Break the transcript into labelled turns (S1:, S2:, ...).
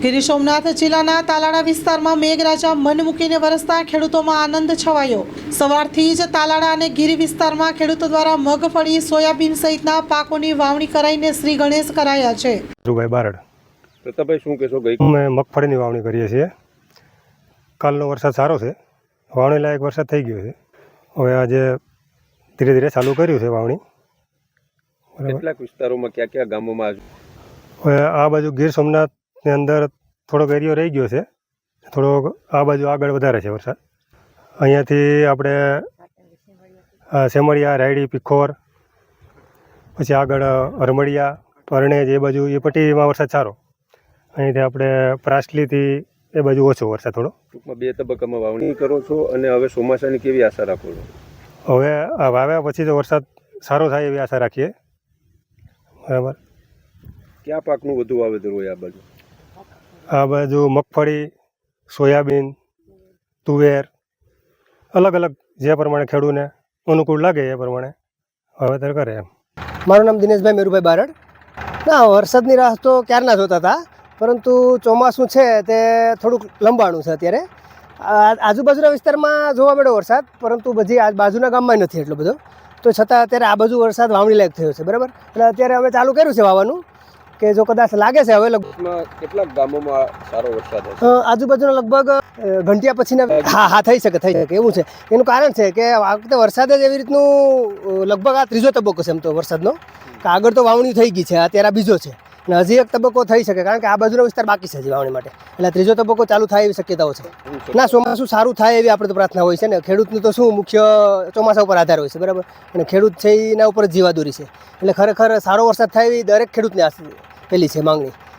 S1: ગીર સોમનાથ જિલ્લાના તાલાળા વિસ્તારમાં મેઘરાજા મન મૂકીને વરસતા ખેડૂતોમાં આનંદ છવાયો। સવારથી જ તાલાળા અને ગીર વિસ્તારમાં ખેડૂતો દ્વારા મગફળી, સોયાબીન સહિતના પાકોની વાવણી કરાઈને શ્રી ગણેશ કરાયા છે।
S2: ભાઈ બારડ
S3: પ્રતાપભાઈ શું કહેશો? ગઈ
S2: અમે મગફળીની વાવણી કરીએ છીએ। કાલનો વરસાદ સારો છે, વાવણી લાયક વરસાદ થઈ ગયો છે। હવે આજે ધીરે ધીરે ચાલુ કર્યું છે વાવણી।
S3: કેટલાક વિસ્તારોમાં કયા ગામોમાં
S2: હવે આ બાજુ ગીર સોમનાથની અંદર થોડોક એરિયો રહી ગયો છે, થોડોક આ બાજુ આગળ વધારે છે વરસાદ। અહીંયાથી આપણે સેમળિયા, રાયડી, પીખોર, પછી આગળ હરમડિયા, પરણેજ એ બાજુ એ પટ્ટીમાં વરસાદ સારો। અહીંથી આપણે પ્રાસલીથી એ બાજુ ઓછો વરસાદ થોડો।
S3: ટૂંકમાં 2 તબક્કામાં વાવણી કરો છો અને હવે ચોમાસાની કેવી આશા રાખો છો?
S2: હવે આ વાવ્યા પછી તો વરસાદ સારો થાય એવી આશા રાખીએ। બરાબર।
S3: કયા પાકનું વધુ વાવેતર હોય આ બાજુ?
S2: આ બાજુ મગફળી, સોયાબીન, તુવેર, અલગ અલગ જે પ્રમાણે ખેડૂતને અનુકૂળ લાગે એ પ્રમાણે વાવેતર કરે એમ।
S4: મારું નામ દિનેશભાઈ મેરુભાઈ બારડ। ના, વરસાદની રાહ તો ક્યારના જોતા હતા, પરંતુ ચોમાસું છે તે થોડુંક લંબાણું છે અત્યારે। આજુબાજુના વિસ્તારમાં જોવા મળ્યો વરસાદ, પરંતુ બધી આ બાજુના ગામમાં નથી એટલો બધો, તો છતાં અત્યારે આ બાજુ વરસાદ વાવણી લાયક થયો છે। બરાબર, એટલે અત્યારે અમે ચાલુ કર્યું છે વાવવાનું, કે જો કદાચ લાગે છે હવે
S3: કેટલાક ગામોમાં સારો વરસાદ હશે?
S4: આજુબાજુના લગભગ ઘંટિયા પછીના હા થઈ શકે એવું છે। એનું કારણ છે કે આ વખતે વરસાદ જ એવી રીતનું લગભગ આ ત્રીજો તબક્કો છે એમ તો વરસાદનો, કે આગળ તો વાવણી થઈ ગઈ છે, અત્યારે આ બીજો છે અને હજી એક તબક્કો થઈ શકે, કારણ કે આ બાજુનો વિસ્તાર બાકી છે હજી વાવણી માટે, એટલે ત્રીજો તબક્કો ચાલુ થાય એવી શક્યતાઓ છે। ના, ચોમાસું સારું થાય એવી આપણે તો પ્રાર્થના હોય છે ને। ખેડૂતનું તો શું મુખ્ય ચોમાસા ઉપર આધાર હોય છે, બરાબર, અને ખેડૂત છે એના ઉપર જ જીવાદોરી છે, એટલે ખરેખર સારો વરસાદ થાય એવી દરેક ખેડૂતની પેલી છે માંગણી।